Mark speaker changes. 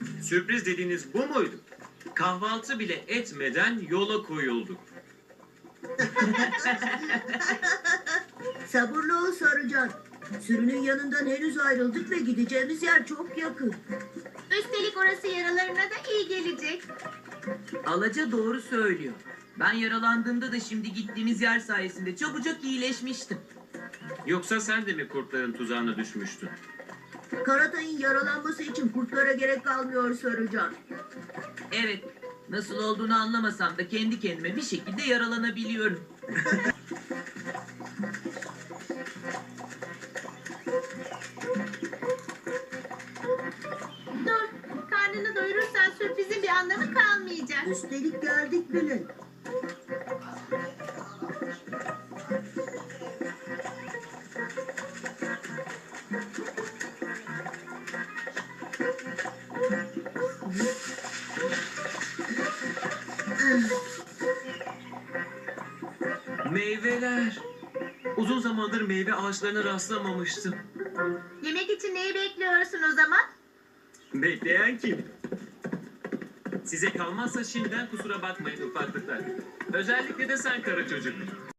Speaker 1: Sürpriz dediğiniz bu muydu? Kahvaltı bile etmeden yola koyulduk.
Speaker 2: Sabırlı ol Sarıcan. Sürünün yanından henüz ayrıldık ve gideceğimiz yer çok yakın.
Speaker 3: Üstelik orası yaralarına da iyi gelecek.
Speaker 4: Alaca doğru söylüyor. Ben yaralandığımda da şimdi gittiğimiz yer sayesinde çabucak iyileşmiştim.
Speaker 1: Yoksa sen de mi kurtların tuzağına düşmüştün?
Speaker 2: Karatay'ın yaralanması için kurtlara gerek kalmıyor Sarıcan.
Speaker 4: Evet, nasıl olduğunu anlamasam da kendi kendime bir şekilde yaralanabiliyorum.
Speaker 3: Dur, karnını doyurursan sürprizin bir anlamı kalmayacak.
Speaker 2: Üstelik geldik bile.
Speaker 1: Meyveler. Uzun zamandır meyve ağaçlarına rastlamamıştım.
Speaker 3: Yemek için neyi bekliyorsun o zaman?
Speaker 1: Bekleyen kim? Size kalmazsa şimdiden kusura bakmayın ufaklıklar. Özellikle de sen kara çocuk.